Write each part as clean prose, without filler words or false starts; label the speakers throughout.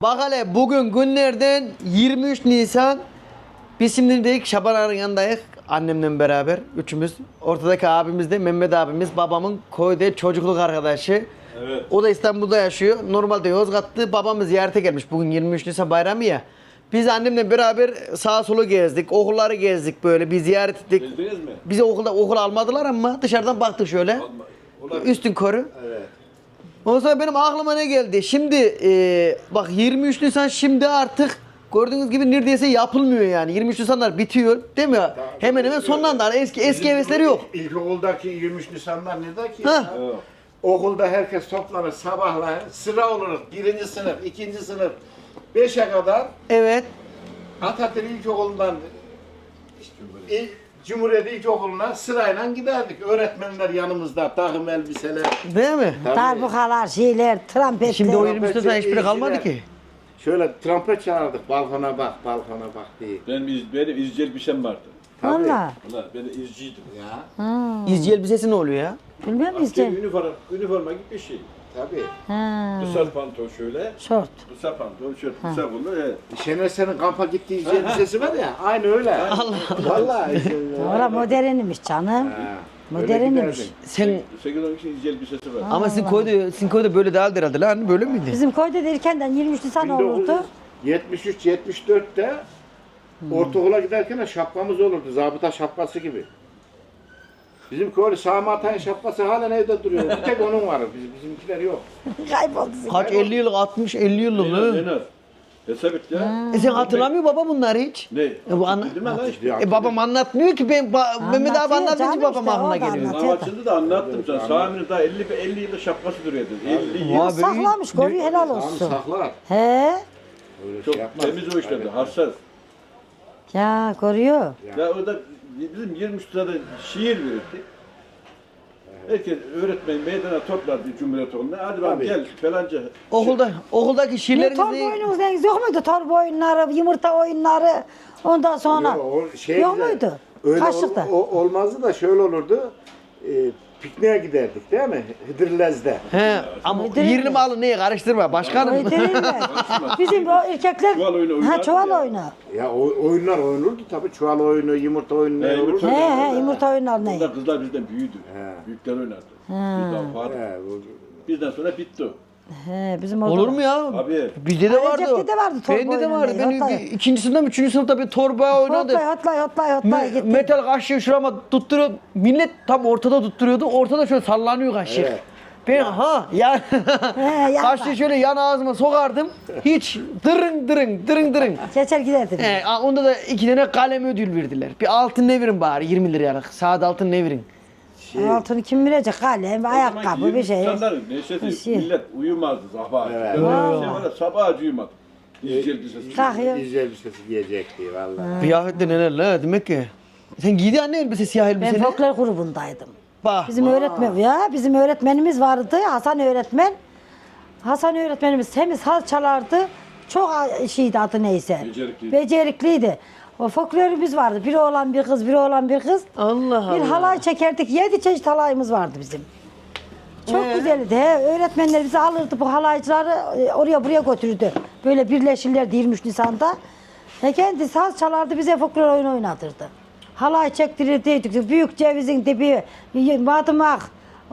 Speaker 1: Bak hele bugün günlerden 23 Nisan. Biz şimdi dedik Şaban Ağa'nın yanındayız. Annemle beraber üçümüz. Ortadaki abimiz de Mehmet abimiz. Babamın köyde çocukluk arkadaşı.
Speaker 2: Evet.
Speaker 1: O da İstanbul'da yaşıyor. Normalde Yozgat'ta babamız ziyarete gelmiş. Bugün 23 Nisan bayramı ya. Biz annemle beraber sağa sola gezdik. Okulları gezdik böyle. Bir ziyaret ettik.
Speaker 2: Gezdiniz mi?
Speaker 1: Bizi okul almadılar ama dışarıdan baktık şöyle. Üstün körü.
Speaker 2: Evet.
Speaker 1: Ondan sonra benim aklıma ne geldi? Şimdi bak 23 Nisan şimdi artık gördüğünüz gibi neredeyse yapılmıyor yani. 23 Nisanlar bitiyor değil mi? Hemen hemen sonlandı. Hani eski hevesleri yok.
Speaker 3: İlkokuldaki 23 Nisanlar ne ki?
Speaker 1: Ha.
Speaker 3: Ya?
Speaker 2: Evet.
Speaker 3: Okulda herkes toplanır sabahlar sıra olur. Birinci sınıf, ikinci sınıf, 5'e kadar
Speaker 1: Evet.
Speaker 3: Atatürk İlkokulu'ndan Cumhuriyet İlkokulu'na sırayla giderdik. Öğretmenler yanımızda, takım elbiseler.
Speaker 1: Değil mi?
Speaker 3: Tabii.
Speaker 4: Darbukalar, şeyler, trompetler.
Speaker 1: Şimdi o 23 Nisan
Speaker 3: Trompetçi,
Speaker 1: hiçbiri kalmadı
Speaker 3: izciler.
Speaker 1: ki.
Speaker 3: Şöyle trompet çağırdık, balkona bak, balkona bak diye.
Speaker 2: Benim izci elbisem vardı.
Speaker 3: Tabii.
Speaker 4: Valla.
Speaker 2: Valla ben izciydim.
Speaker 3: Ya,
Speaker 1: İzci elbisesi ne oluyor ya?
Speaker 4: Bilmiyor musun
Speaker 2: Askeri
Speaker 4: işte?
Speaker 2: üniforma gibi bir şey.
Speaker 3: tabii.
Speaker 4: Ha.
Speaker 2: Kısa pantol şöyle.
Speaker 4: Şort.
Speaker 2: Kısa pantol, şöyle kısa kollu. Evet.
Speaker 3: Şener Sen'in kampa gittiği elbisesi var ya, aynı öyle. Allah Vallahi.
Speaker 4: Valla modernmiş canım.
Speaker 3: Ha,
Speaker 4: Modernmiş.
Speaker 3: öyle giderdik.
Speaker 1: Sen
Speaker 2: 8-10 kişi izci elbisesi var.
Speaker 1: ama sizin köyde böyle değildi herhalde lan. Böyle miydi?
Speaker 4: Bizim köyde de erkenden 23 Nisan olurdu.
Speaker 3: 1973-74'te ortaokula giderken şapkamız olurdu. Zabıta şapkası gibi. Bizim köylü Sami Atay'ın şapkası halen evde duruyor. Bir tek onun var. Bizimkiler yok.
Speaker 4: Kayboldu.
Speaker 1: Kaç 50 yıllık 60-50 yıllık
Speaker 2: En
Speaker 1: mı?
Speaker 2: az. Hesap et ya.
Speaker 1: Sen hatırlamıyor baba bunları hiç?
Speaker 2: Ne?
Speaker 1: Bu anla-
Speaker 2: Dedim ben lan işte.
Speaker 1: Babam anlatmıyor ki ben Mehmet abi
Speaker 4: Anlatıyor
Speaker 1: anlatınca
Speaker 4: canım
Speaker 1: babam
Speaker 4: işte,
Speaker 1: aklına
Speaker 4: o da
Speaker 1: geliyor.
Speaker 4: anlatıyor.
Speaker 2: Havasında da anlattım sana. Sami'nin daha 50 yıllık şapkası duruyordu. 50 yıl.
Speaker 1: Abi,
Speaker 4: Saklamış, koruyor helal
Speaker 3: Sami
Speaker 4: olsun.
Speaker 3: saklar.
Speaker 4: He?
Speaker 3: Öyle
Speaker 2: Çok
Speaker 3: şey yapmaz.
Speaker 2: temiz o işlerdi. Hassas.
Speaker 4: Ya koruyor.
Speaker 2: Ya o da bizim 23 sırada şiir verirdi. Herkes öğretmen meydana toplardı Cumhuriyet Okulu'na. Hadi bakalım
Speaker 3: Tabii.
Speaker 2: gel falanca.
Speaker 1: Okuldaki
Speaker 4: Ne
Speaker 1: şiirleriniz
Speaker 4: torba
Speaker 1: ne?
Speaker 4: oyununuz deniz yok muydu? Torba oyunları, yumurta oyunları. Ondan sonra.
Speaker 3: Yok, o şey
Speaker 4: Yok
Speaker 3: güzel.
Speaker 4: muydu?
Speaker 3: Öyle
Speaker 4: Kaşıkta.
Speaker 3: olmazdı da şöyle olurdu. Pikniğe giderdik değil mi? Hıdırlez'de.
Speaker 1: He ama
Speaker 4: Uydurayım
Speaker 1: yerini
Speaker 4: mı?
Speaker 1: malı neye karıştırma başkanım.
Speaker 4: Öyle Bizim o erkekler
Speaker 2: Çuval oyunu
Speaker 4: ha
Speaker 2: oynardı
Speaker 4: çuval
Speaker 2: ya.
Speaker 4: oyunu.
Speaker 3: Ya oyunlar oynulurdu tabii. Çuval oyunu, yumurta oyunu
Speaker 2: He,
Speaker 3: olurdu.
Speaker 2: yumurta
Speaker 4: He yumurta oyunları ne?
Speaker 2: Onlar kızlar bizden büyüdü.
Speaker 3: He.
Speaker 2: Büyükler oynardı. Bizden vardı.
Speaker 3: He,
Speaker 2: Bizden sonra bitti o.
Speaker 4: He bizim orada.
Speaker 1: Olur mu ya?
Speaker 2: Abi.
Speaker 1: Bizde de vardı.
Speaker 4: Recep'te de vardı torba
Speaker 1: Bende de
Speaker 4: oyunu
Speaker 1: vardı.
Speaker 4: ne?
Speaker 1: Benim
Speaker 4: Hatta-
Speaker 1: ikinci sınıfta mı, üçüncü sınıfta bir torba oynadı.
Speaker 4: Hotlay gitti.
Speaker 1: Metal kaşığı şurama tutturuyor. Millet tam ortada tutturuyordu. Ortada şöyle sallanıyor kaşık.
Speaker 3: Evet.
Speaker 1: Ben ya
Speaker 4: yapma.
Speaker 1: kaşığı şöyle yan ağzıma sokardım. Hiç dırın.
Speaker 4: Geçer giderdim.
Speaker 1: Onda da 2 tane kalem ödül verdiler. Bir altın ne verin bari 20 liralık. Saat altın ne verin?
Speaker 4: Altını kim verecek? Kalem, ayakkabı bir şey.
Speaker 2: İnsanların neşesi,
Speaker 4: şey.
Speaker 2: millet uyumazdı sabah.
Speaker 3: Evet.
Speaker 2: Öyle bir şey var ya, sabah uyumadı. İzci elbisesi.
Speaker 4: Takıyor.
Speaker 3: İzci elbisesi giyecekti vallahi.
Speaker 1: Kıyafette neler la demek ki. Sen giydi anne elbise siyah
Speaker 4: Ben
Speaker 1: elbiseni.
Speaker 4: folklor grubundaydım.
Speaker 1: Bak.
Speaker 4: Bizim öğretmenimiz vardı Hasan öğretmen. Hasan öğretmenimiz temiz hal çalardı. Çok şeydi adı neyse.
Speaker 2: Becerikliydi.
Speaker 4: Becerikliydi. O folklorumuz vardı. Biri oğlan bir kız, biri oğlan bir kız.
Speaker 1: Allah
Speaker 4: Bir
Speaker 1: Allah.
Speaker 4: halay çekerdik. 7 çeşit halayımız vardı bizim. Çok güzeldi. Öğretmenler bizi alırdı bu halaycıları oraya buraya götürürdü. Böyle birleşirlerdi 23 Nisan'da. Kendi saz çalardı bize folklor oyunu oynatırdı. Halay çektirirdik. Büyük cevizin dibi, madımak,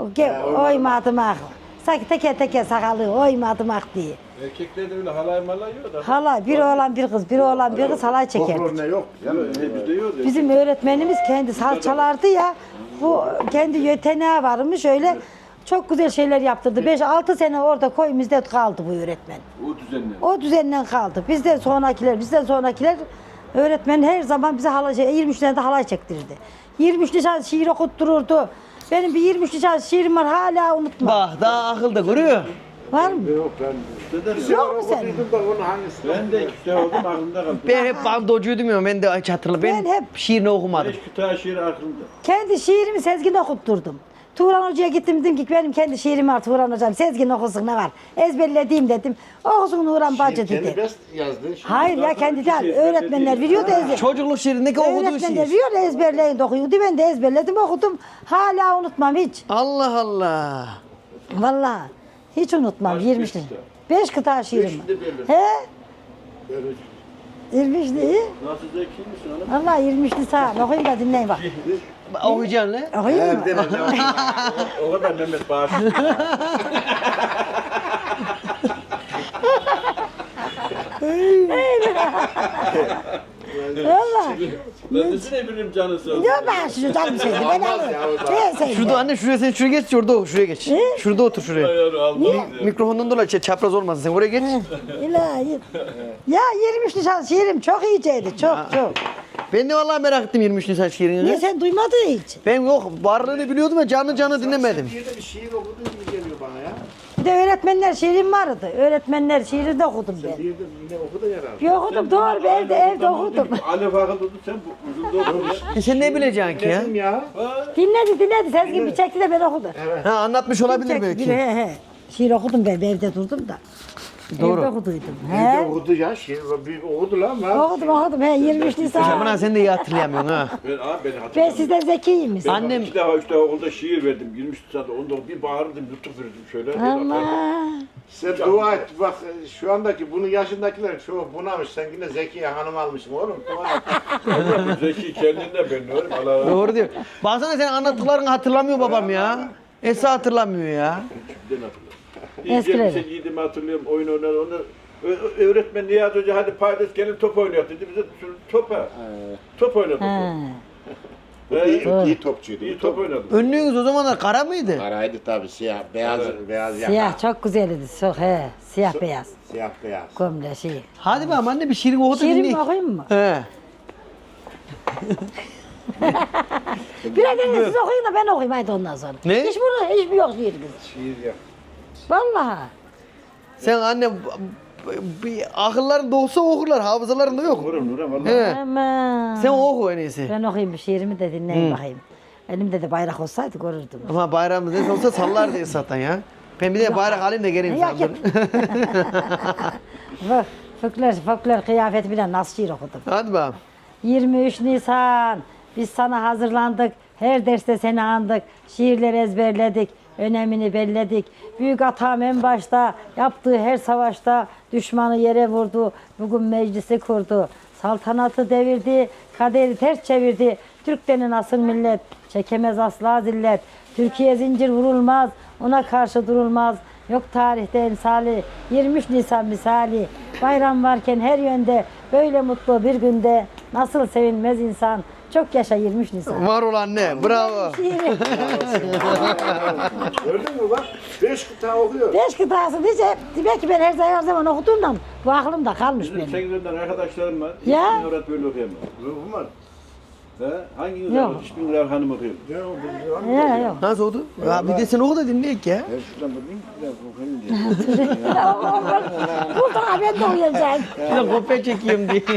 Speaker 4: oy madımak. Sanki teke sakalı, oy madımak diye.
Speaker 2: Erkeklerde öyle halay malay yok da.
Speaker 4: Halay, bir oğlan bir kız, bir oğlan bir kız halay çekerdik.
Speaker 3: Folklor ne yok?
Speaker 2: Bizde yok.
Speaker 4: Bizim öğretmenimiz kendi saz çalardı ya, bu kendi yeteneği varmış öyle çok güzel şeyler yaptırdı. 5-6 sene orada köyümüzde kaldı bu öğretmen.
Speaker 2: O düzenle.
Speaker 4: O düzenden kaldı. Bizden sonrakiler öğretmen her zaman bize halay, 23 tane de halay çektirirdi. 23 Nisan şiir okuttururdu. Benim bir 23 Nisan şiirim var hala unutmam.
Speaker 1: Bak daha akılda görüyor.
Speaker 4: Var mı?
Speaker 3: Yok ben.
Speaker 2: Dedem
Speaker 4: Yok mu senin?
Speaker 3: Okuduydum da onun hangisi?
Speaker 2: ben de işte oldum aklımda kaldı.
Speaker 1: Ben hep bandocuydum ya ben de hiç hatırlamıyorum. Ben
Speaker 4: Ben
Speaker 1: hep şiirini okumadım.
Speaker 2: 5 kütahya şiiri aklımda.
Speaker 4: Kendi şiirimi Sezgin'e okutturdum. Turan Hoca'ya gittim dedim ki benim kendi şiirim var Turan Hocam. Sezgin okusun ne var? Ezberlediğim dedim. Okusun Nuran Bacı
Speaker 3: Kendi
Speaker 4: dedi.
Speaker 3: best yazdı.
Speaker 4: Hayır ya kendi değil. Öğretmenler veriyordu ezber.
Speaker 1: Çocukluk şiirindeki okuduğu
Speaker 4: Öğretmenler
Speaker 1: şiir.
Speaker 4: veriyor ezberleyin de okuyordu. Ben de ezberledim okudum. Hala unutmam hiç.
Speaker 1: Allah Allah.
Speaker 4: Vallahi hiç unutmam. 23 Nisan. 5 kıta şiirim var.
Speaker 2: Beşinde belli.
Speaker 4: He?
Speaker 3: Böyle
Speaker 4: 23 değil.
Speaker 2: Nasıl zeki misin hanım?
Speaker 4: Allah 23 Nisan. Okuyayım da dinleyin bak.
Speaker 1: Okuyacaksın lan.
Speaker 4: Okuyayım mı?
Speaker 2: O kadar Mehmet bağışlı.
Speaker 4: Valla.
Speaker 2: Ben desene benim canı sağ olsun.
Speaker 4: Yok ben şunu canım sevdim. Ben alırım. Ben sevdim.
Speaker 1: Şurada anne şuraya geç şurada otur şuraya geç. Şurada otur şuraya.
Speaker 2: Ayarı aldım.
Speaker 1: Mikrofondan dolayı çapraz olmasın sen oraya geç.
Speaker 4: İlahi. Ya 23 Nisan şiirim çok iyiceydi. Çok çok.
Speaker 1: Ben de vallahi merak ettim 23 Nisan şiirini.
Speaker 4: Niye sen duymadın hiç?
Speaker 1: Ben yok varlığını biliyordum ve canlı dinlemedim.
Speaker 3: Bir de bir şiir okuduğun gibi geliyor bana ya.
Speaker 4: Bir de öğretmenler şiirim vardı. Öğretmenler şiiri de okudum ben.
Speaker 3: Bir de yine okudun herhalde.
Speaker 4: Bir okudum doğru bir evde okudum.
Speaker 2: Ali Fakıl tuttu sen bu uzun okudun ya.
Speaker 1: Sen ne bileceksin ki ya?
Speaker 3: Dedim ya.
Speaker 4: Dinledi. Sezgin bir çekti de ben okudum.
Speaker 1: Ha anlatmış olabilir
Speaker 4: Çekti,
Speaker 1: belki.
Speaker 4: He. Şiir okudum ben evde durdum da.
Speaker 1: Doğru.
Speaker 4: Evde okuduydum.
Speaker 3: Bir de
Speaker 4: He.
Speaker 3: okudu ya. Şiir bir okudu lan. Ben.
Speaker 4: Okudum he 23 Nisan.
Speaker 1: Şaman sen de iyi hatırlayamıyorsun ha.
Speaker 2: Ben abi beni
Speaker 4: Ben
Speaker 2: hatırlamıyorum.
Speaker 4: sizden zekiyim.
Speaker 2: Ben
Speaker 1: Annem-
Speaker 2: 2 defa 3 defa okulda şiir verdim. 23 Nisan'da onda bir bağırdım, nutuk verdim şöyle.
Speaker 4: Allah.
Speaker 3: Sen dua et. Bak şu andaki bunun yaşındakiler çoğu bunamış. Sen yine Zekiye Hanım almışsın oğlum. Dua et.
Speaker 2: Zeki kendinden ben diyorum. Allah Allah.
Speaker 1: Doğru diyor. Baksana sen anlattıklarını hatırlamıyor babam ya. Esra hatırlamıyor ya.
Speaker 2: Kimden hatırlıyorum?
Speaker 4: Eskileri.
Speaker 2: Sen giydiğimi hatırlıyorum. Oyun oynar onu. Öğretmen Nihat Hoca hadi paylaş gelin top oynuyor dedi. Bize topa. Top oynadık.
Speaker 4: He.
Speaker 3: İyi topçuydu.
Speaker 2: İyi top oynadık.
Speaker 1: Önlüğünüz o zamanlar kara mıydı?
Speaker 3: Karaydı tabii siyah. Beyaz beyaz yaka.
Speaker 4: Siyah çok güzeldi. Çok he. Siyah beyaz.
Speaker 3: Siyah beyaz.
Speaker 4: Gömle şey.
Speaker 1: Hadi be anne bir şiirin oku da
Speaker 4: Şiirimi
Speaker 1: dinleyin.
Speaker 4: okuyayım mı?
Speaker 1: He.
Speaker 4: Birer tane siz okuyun da ben okuyayım haydi ondan sonra.
Speaker 1: Ne?
Speaker 4: Hiçbir yok şiirimiz.
Speaker 3: Şiir yok.
Speaker 4: Vallahi.
Speaker 1: Sen anne bir akılların dolsa okurlar, hafızalarında yok.
Speaker 2: Vurum Nurhan valla.
Speaker 1: He.
Speaker 4: Aman.
Speaker 1: Sen oku en iyisi.
Speaker 4: Ben okuyayım bir şiirimi de dinleyin bakayım. Elimde de bayrak olsaydı görürdüm.
Speaker 1: Ama bayramımız ne olsa sallar diye zaten ya. Ben bir de bayrak alayım da geleyim
Speaker 4: Yok,
Speaker 1: sana.
Speaker 4: yok. Folklor kıyafeti bile nasıl şiir okudum.
Speaker 1: Hadi bakalım.
Speaker 4: 23 Nisan biz sana hazırlandık. Her derste seni andık. Şiirler ezberledik. Önemini belledik. Büyük atam en başta yaptığı her savaşta düşmanı yere vurdu. Bugün meclisi kurdu. Saltanatı devirdi. Kaderi ters çevirdi. Türk denen asıl millet çekemez asla zillet. Türkiye zincir vurulmaz. Ona karşı durulmaz. Yok tarihte emsali, 23 Nisan misali. Bayram varken her yönde, böyle mutlu bir günde nasıl sevinmez insan. Çok yaşa 23 Nisan.
Speaker 1: Var ol anne. Bravo.
Speaker 4: Şiiri.
Speaker 3: Gördün mü bak? 5 kıta okuyor.
Speaker 4: 5 kıtası diye demek ki ben her zaman okuduğumdan bu aklımda kalmış
Speaker 2: Bizim
Speaker 4: benim.
Speaker 2: 8'den arkadaşlarım var.
Speaker 4: Ya.
Speaker 2: Hiçbirini öğret böyle okuyamam.
Speaker 3: Ruhum var.
Speaker 2: He? Hanginiz
Speaker 4: Yok.
Speaker 2: var? Hiçbirini Nurhan Hanım okuyor.
Speaker 3: Ne oldu?
Speaker 4: Ya yok.
Speaker 1: Nasıl oldu? Ya bir de sen oku da dinleyek ya.
Speaker 2: Ben şuradan bakayım. Biraz okuyayım diye.
Speaker 4: Burada ben de uyuyacağım.
Speaker 1: Bir de kopya çekeyim diye.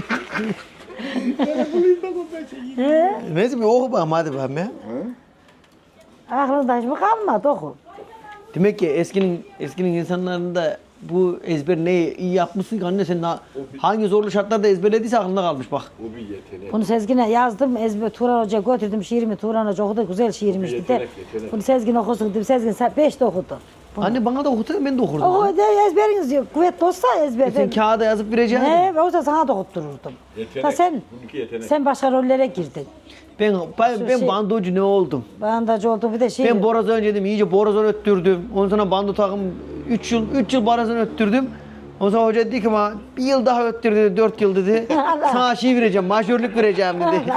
Speaker 1: Neyse bir oku bakalım hadi bakalım ya.
Speaker 4: Aklımda hiç mi kalmadı oku.
Speaker 1: Demek ki eskinin insanlarında bu ezber ne iyi yapmışsın ki anne sen hangi zorlu şartlarda ezberlediyse aklında kalmış bak.
Speaker 2: Bu bir yetenek.
Speaker 4: Bunu Sezgin'e yazdım. Turan Hoca'ya götürdüm şiirimi. Turan Hoca okudu. Güzel şiirmiş dedi.
Speaker 2: Yetenek.
Speaker 4: Bunu Sezgin okusun dedim. Sezgin 5 de okudu. Bunu.
Speaker 1: Anne bana da okutsana ben de okurdum.
Speaker 4: Oku de ezberiniz yok. Kuvvetli olsa ezber.
Speaker 1: Sen kağıda yazıp vereceksin.
Speaker 4: Ne? Olsa sana da okuttururdum.
Speaker 2: Yetenek.
Speaker 4: Da sen,
Speaker 2: Bununki yetenek.
Speaker 4: sen başka rollere girdin.
Speaker 1: Ben
Speaker 4: şey-
Speaker 1: bandocu ne oldum?
Speaker 4: Bandacı oldu bir de şey.
Speaker 1: Ben borazan önce iyice borazan öttürdüm. Ondan sonra bando takım 3 yıl borazan öttürdüm. Ondan sonra hoca dedi ki bana bir yıl daha öttür dedi, 4 yıl dedi. Sana şey vereceğim, majörlük vereceğim dedi.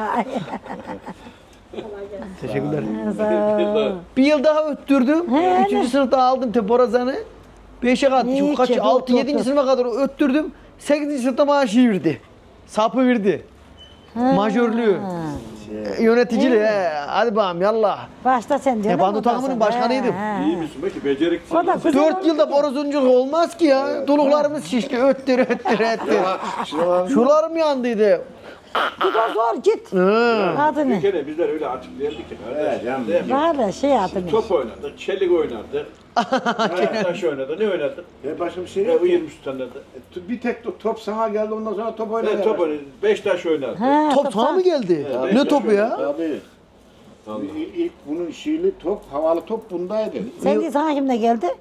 Speaker 1: Teşekkürler.
Speaker 4: Sağ ol.
Speaker 1: Bir yıl daha öttürdüm.
Speaker 4: He,
Speaker 1: 3. sınıfta aldım te borazanı. 5'e kadar,
Speaker 4: İyi
Speaker 1: kaç,
Speaker 4: ki,
Speaker 1: 6,
Speaker 4: dur,
Speaker 1: 7.
Speaker 4: dur.
Speaker 1: sınıfa kadar öttürdüm. 8. sınıfta bana şey verdi. Sapı verdi. Majörlüğü. Yöneticiliği. He. Hadi bakalım yallah.
Speaker 4: Başta sen diyorsun.
Speaker 1: bando
Speaker 4: ondan
Speaker 1: takımının
Speaker 4: sonra.
Speaker 1: başkanıydım.
Speaker 4: He.
Speaker 2: İyi misin? Belki beceriksiz.
Speaker 4: O da güzel
Speaker 1: 4
Speaker 4: oldu
Speaker 1: yılda
Speaker 4: ki.
Speaker 1: borazunculuk olmaz ki ya. Doluklarımız şişti. Öttür. Şularım yandıydı.
Speaker 4: Git o zor git.
Speaker 1: Hı.
Speaker 4: Adı ne?
Speaker 2: Bir kere bizler öyle açık değildik ki.
Speaker 3: Evet, canım.
Speaker 2: Değil mi?
Speaker 4: Var da şey adı ne?
Speaker 2: Top oynadı, çelik oynadı. Taş oynadı, ne oynadı?
Speaker 3: Başka bir şey
Speaker 2: Ne
Speaker 3: yok.
Speaker 2: bu 23 tane de.
Speaker 3: Bir tek top sana geldi ondan sonra top oynadı.
Speaker 2: Ne top oynadı? 5 taş oynadı.
Speaker 4: Ha,
Speaker 1: Top sana mı geldi?
Speaker 2: Evet.
Speaker 1: Ne topu ya?
Speaker 3: Tabii. İlk bunun şiirli top, havalı top bundaydı.
Speaker 4: Sen değil sana kim de geldi?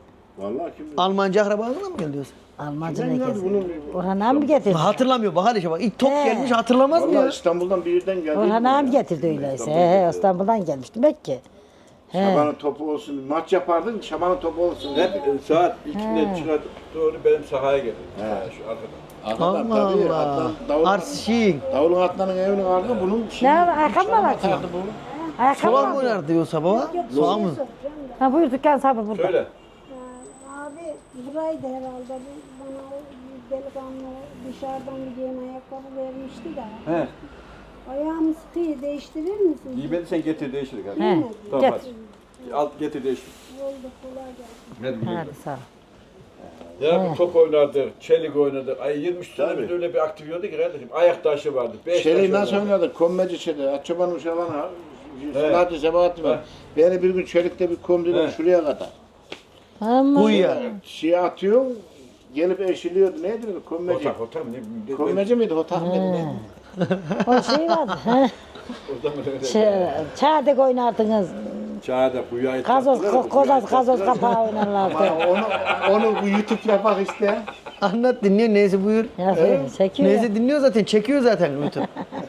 Speaker 3: Vallahi kim bilir.
Speaker 1: Almanca akrabalarına mı geliyorsun?
Speaker 4: Almanca ne
Speaker 3: Kimden geldi
Speaker 4: geziyor?
Speaker 3: bunu?
Speaker 4: Orhan abi mi getirdi?
Speaker 1: Hatırlamıyor bak hadi bak ilk top
Speaker 4: He.
Speaker 1: gelmiş hatırlamaz mı
Speaker 3: Vallahi
Speaker 1: ya?
Speaker 3: İstanbul'dan bir yerden geldi.
Speaker 4: Orhan abi getirdi öyleyse. İstanbul'dan gelmiş demek ki.
Speaker 3: Şabanın topu olsun. Maç yapardın, Şabanın topu olsun.
Speaker 2: Hep saat 2'den çıkartıp doğru benim sahaya geldim. Sahaya şu arkada.
Speaker 3: Arkadan
Speaker 1: Allah
Speaker 3: tabii.
Speaker 1: Allah.
Speaker 3: Atlan, davulun,
Speaker 1: Arsişin.
Speaker 3: davulun atlanın evinin ardı bunun şimdi.
Speaker 4: Ne var, ayakkabı mı var ki?
Speaker 3: atardı bu.
Speaker 4: Ayakkabı
Speaker 1: Soğan mı
Speaker 4: mı?
Speaker 1: oynardı diyorsa baba? Soğan mı?
Speaker 4: Ha buyur dükkan sahibi burada.
Speaker 2: Söyle.
Speaker 5: Abi buraydı herhalde. Bana delikanlı dışarıdan bir yeni ayakkabı vermişti de.
Speaker 2: He.
Speaker 5: Ayağımı sıkıyı değiştirir misin?
Speaker 2: Giymediysen getir değiştir hadi.
Speaker 4: He.
Speaker 2: Tamam
Speaker 4: Get.
Speaker 2: hadi. Al getir değiştir.
Speaker 5: Oldu kolay gelsin.
Speaker 2: Hadi.
Speaker 4: Hadi sağ ol.
Speaker 2: Ya bu top oynardık, çelik oynadık. Ay 23 tane biz öyle bir aktivite ki kardeşim. Ayak taşı vardı. 5
Speaker 3: Çeleği nasıl oynadık? Kommeci çeleği. Açıbanın uşağına. Selahattin Sebahattin var. Beni bir gün çelikte bir komdiler şuraya kadar.
Speaker 4: Ama
Speaker 1: Kuyuya.
Speaker 3: Şey atıyor, gelip eşiliyordu. Neydi o kommeci?
Speaker 2: Hotak hotak mı? Ne?
Speaker 3: Kommeci miydi? Hotak mıydı? Ne?
Speaker 4: o şey vardı. he.
Speaker 2: O zaman öyle.
Speaker 4: Çağdık oynardınız.
Speaker 2: Çağda kuyuya ait.
Speaker 4: Gazoz kapağı oynarlardı.
Speaker 3: Ama onu bu YouTube'da bak işte.
Speaker 1: Anlat dinliyor neyse buyur.
Speaker 4: Ya çekiyor ya.
Speaker 1: Neyse dinliyor zaten çekiyor zaten YouTube.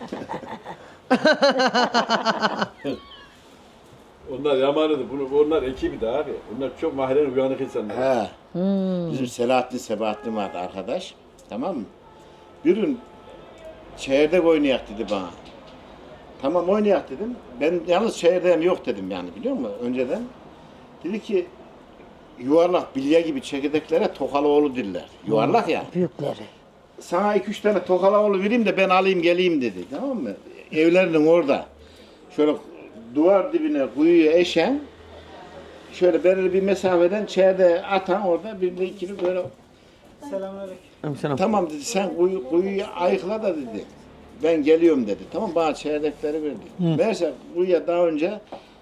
Speaker 2: Onlar yamanıdı. Onlar ekibi de abi. Onlar çok mahallenin uyanık insanlar.
Speaker 3: He. Bizim Selahattin Sebahattin vardı arkadaş. Tamam mı? Bir gün çeyrek oynayak dedi bana. Tamam oynayak dedim. Ben yalnız çeyreğim yok dedim yani biliyor musun önceden. Dedi ki yuvarlak bilye gibi çekirdeklere Tokaloğlu diller. Yuvarlak ya.
Speaker 4: Büyükleri.
Speaker 3: Sana 2-3 tane Tokaloğlu vereyim de ben alayım geleyim dedi. Tamam mı? Evlerinin orada. Şöyle duvar dibine kuyuya eşen şöyle belirli bir mesafeden çeyreğe atan orada bir de ikili böyle
Speaker 1: Selam.
Speaker 3: tamam dedi sen kuyuyu ayıkla da dedi. Ben geliyorum dedi. Tamam bana çeyrekleri verdi. Meğerse kuyuya daha önce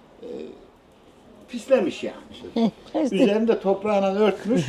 Speaker 3: pislemiş yani. Üzerinde toprağına örtmüş.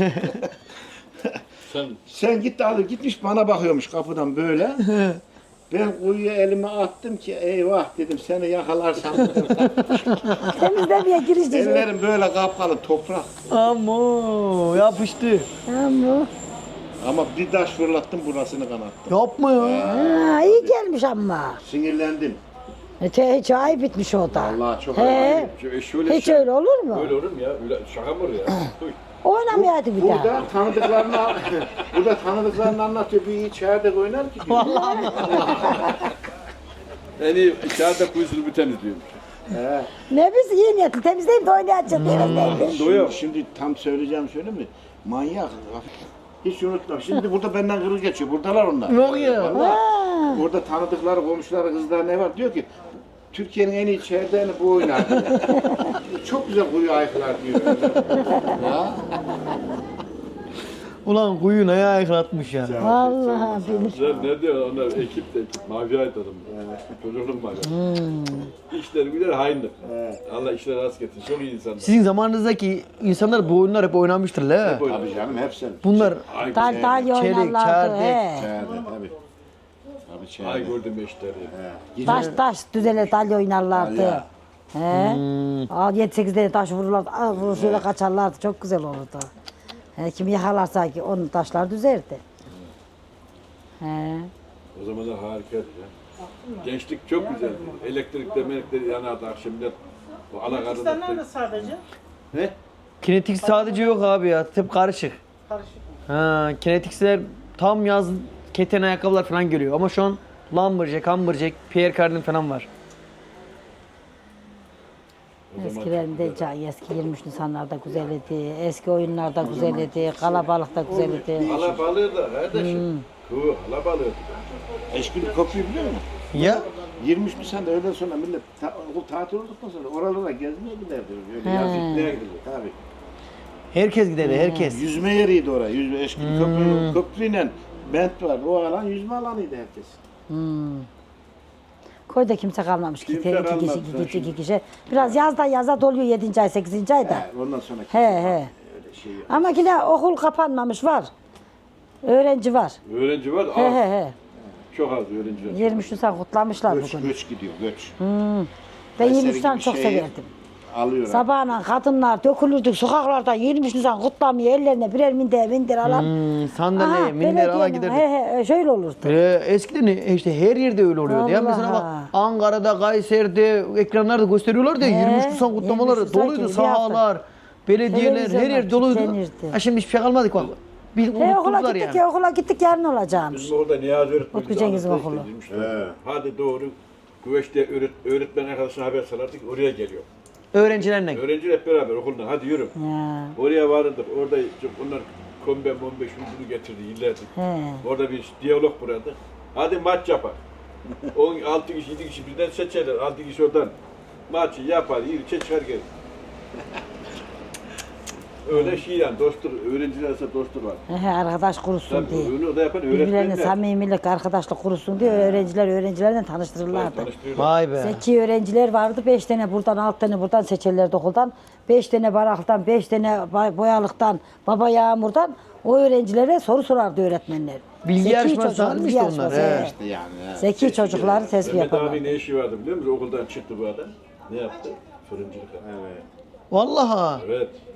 Speaker 3: Sen git de alıp gitmiş bana bakıyormuş kapıdan böyle. Ben kuyuya elimi attım ki eyvah dedim seni yakalarsam dedim.
Speaker 4: Temizlemeye girişti.
Speaker 3: Ellerim böyle kapkalı toprak.
Speaker 1: Amo yapıştı.
Speaker 4: Ama.
Speaker 3: Ama bir taş fırlattım burasını kanattım.
Speaker 1: Yapma ya.
Speaker 4: Ha, iyi gelmiş ama.
Speaker 3: Sinirlendim.
Speaker 4: Hiç ayıp bitmiş o da.
Speaker 3: Vallahi çok
Speaker 4: He.
Speaker 3: ayıp.
Speaker 2: Şöyle
Speaker 4: Hiç öyle olur mu?
Speaker 2: Öyle olur mu ya? Öyle şaka mı olur ya? Duy.
Speaker 4: Oynamayaydı bir daha.
Speaker 3: Burada tanıdıklarını burada tanıdıklarını anlatıyor. Bir içeride oynar ki diyor.
Speaker 2: En iyi içeride kuyusunu bir temizliyormuş.
Speaker 3: He.
Speaker 4: Ne biz iyi niyetli temizleyip de oynayacağız.
Speaker 2: Doyuyor.
Speaker 3: Şimdi tam söyleyeceğim söyleyeyim mi? Manyak. Hiç unutma. Şimdi burada benden kırıl geçiyor. Buradalar onlar.
Speaker 1: Yok ya.
Speaker 3: Vallahi. Burada tanıdıkları, komşuları, kızlar ne var? Diyor ki Türkiye'nin en iyi çeyreğini bu oynar diyor. Çok güzel kuyu ayıklar diyor. Ya.
Speaker 1: Ulan kuyu neye ayıklatmış ya.
Speaker 4: Vallahi bilir.
Speaker 2: Sen ne diyor onlar ekip de ekip. Mavi ait adam. Çocuğun var. İşleri güzel haindir. Allah işleri rast getirsin. Çok iyi insanlar.
Speaker 1: Sizin zamanınızdaki insanlar bu oyunlar hep oynamıştır la.
Speaker 3: Tabii canım hepsi.
Speaker 1: Bunlar
Speaker 2: Ay,
Speaker 4: Dalya
Speaker 1: Çelik,
Speaker 4: oynarlardı.
Speaker 1: çerdek.
Speaker 4: He.
Speaker 3: Çeyreği tabii. Tabii
Speaker 2: ay
Speaker 3: çeyreği.
Speaker 2: gördüm eşleri.
Speaker 4: Taş düzele dalya oynarlardı.
Speaker 3: Dalya.
Speaker 4: He. 7-8 tane taş vururlardı. Vurur şöyle kaçarlardı. Çok güzel olurdu. He, kim yakalarsa ki onun taşlar düzerdi. He.
Speaker 2: O zamanlar harikaydı ya. Gençlik çok güzeldi. Elektrikler yanardı akşamlar. O alakarında.
Speaker 6: nerede sadece?
Speaker 2: Ne?
Speaker 1: kinetik sadece yok abi ya. Hep karışık.
Speaker 6: Karışık.
Speaker 1: Ha, kinetiksler tam yaz keten ayakkabılar falan geliyor ama şu an Lumberjack, Humberjack, Pierre Cardin falan var.
Speaker 4: Eskilerinde eski 23 Nisanlarda güzel idi. Eski oyunlarda güzel idi. Kalabalık da güzel idi.
Speaker 2: Hala balığı da kardeşim. Hala balığı.
Speaker 3: Eşkili köprüyü biliyor musun?
Speaker 1: Ya
Speaker 3: 23 Nisan'da öğleden sonra millet okul tatil olduktan sonra oralara gezmeye giderdi. Öyle
Speaker 4: He.
Speaker 3: yazlık neye gidilir? Tabii.
Speaker 1: herkes gider herkes.
Speaker 3: Yüzme yeriydi oraya. Eşkili köprüyle bent var. O alan yüzme alanıydı herkes.
Speaker 4: Köyde kimse kalmamış.
Speaker 3: Kimse
Speaker 4: İki
Speaker 3: kalmadı
Speaker 4: kişi, iki
Speaker 3: şimdi.
Speaker 4: kişi. Biraz yazdan yaza doluyor 7. ay, 8. ayda.
Speaker 3: Ondan sonra
Speaker 4: He he.
Speaker 3: öyle şey yok.
Speaker 4: Ama yine okul kapanmamış var. Öğrenci var.
Speaker 2: Öğrenci var
Speaker 4: He
Speaker 2: az.
Speaker 4: he he.
Speaker 2: Çok az öğrenci var.
Speaker 4: 23 Nisan kutlamışlar
Speaker 3: Göç,
Speaker 4: bugün.
Speaker 3: göç gidiyor, göç.
Speaker 4: Ben
Speaker 3: Kayseri
Speaker 4: 23 Nisan
Speaker 3: gibi
Speaker 4: çok
Speaker 3: şehir.
Speaker 4: severdim.
Speaker 3: alıyor.
Speaker 4: Sabahına kadınlar dökülürdük sokaklarda 23 Nisan kutlamaya ellerine birer minder alan.
Speaker 1: Sandalye, minder ala giderdik.
Speaker 4: He, şöyle olurdu.
Speaker 1: Eskiden işte her yerde öyle oluyordu. Ya mesela bak
Speaker 4: Vallahi.
Speaker 1: Ankara'da, Kayseri'de ekranlarda gösteriyorlar da 23 Nisan
Speaker 4: 23
Speaker 1: kutlamaları
Speaker 4: Nisan
Speaker 1: doluydu.
Speaker 4: gibi bir hafta.
Speaker 1: Sahalar, belediyeler her
Speaker 4: Televizyonlar
Speaker 1: yer doluydu.
Speaker 4: kilitlenirdi.
Speaker 1: Ha şimdi hiçbir şey kalmadı bak. Bir
Speaker 4: Okula
Speaker 1: unuttular
Speaker 4: gittik
Speaker 1: yani.
Speaker 4: ya okula gittik yarın olacağımış.
Speaker 2: Bizim orada Niyazi öğretmen.
Speaker 4: Utku Cengiz'in okulu.
Speaker 2: Hadi doğru. Güveçte öğretmen arkadaşına haber salardık. Oraya geliyor.
Speaker 1: Öğrencilerle.
Speaker 2: Öğrenciler hep beraber okuldan. Hadi yürü.
Speaker 4: Ya.
Speaker 2: Oraya varırdık. Orada onlar kombe mombe şunu getirdi yıllardır.
Speaker 4: He.
Speaker 2: Orada bir diyalog kuradı. Hadi maç yapar. 6 kişi 7 kişi birden seçerler. 6 kişi oradan maçı yapar. İlçe çıkar gelir. Öyle şey yani dostluk, öğrenciler arasında dostluk var.
Speaker 4: He, arkadaş kurusun
Speaker 2: Tabii
Speaker 4: diye.
Speaker 2: onu da yapan
Speaker 4: Birbirlerine
Speaker 2: öğretmenler.
Speaker 4: samimilik, arkadaşlık kurusun diye öğrencilerle tanıştırırlardı.
Speaker 2: Tanıştırıyorlar.
Speaker 1: Vay be.
Speaker 4: Zeki öğrenciler vardı. 5 tane buradan, 6 tane buradan seçerlerdi okuldan. 5 tane baraklıktan, 5 tane boyalıktan, baba yağmurdan o öğrencilere soru sorardı öğretmenler.
Speaker 1: Bilgi
Speaker 4: Zeki
Speaker 1: yarışması
Speaker 4: çocuk,
Speaker 1: halinde
Speaker 4: bilgi
Speaker 1: işte onlar,
Speaker 4: yarışması,
Speaker 1: he.
Speaker 4: he.
Speaker 3: İşte yani.
Speaker 4: Zeki çocukları tespih
Speaker 2: Mehmet
Speaker 4: yaparlar.
Speaker 2: abi ne işi vardı biliyor musun? Okuldan çıktı bu adam. Ne yaptı? Fırıncılık yaptı.
Speaker 3: Evet.
Speaker 1: Vallahi.
Speaker 2: Evet.